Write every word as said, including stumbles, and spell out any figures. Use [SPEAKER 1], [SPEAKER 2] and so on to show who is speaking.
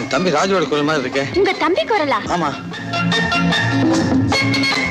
[SPEAKER 1] என் தம்பி ராஜுவோட குரல் மாதிரி இருக்கு.
[SPEAKER 2] உங்க தம்பி குரலா?
[SPEAKER 1] ஆமா.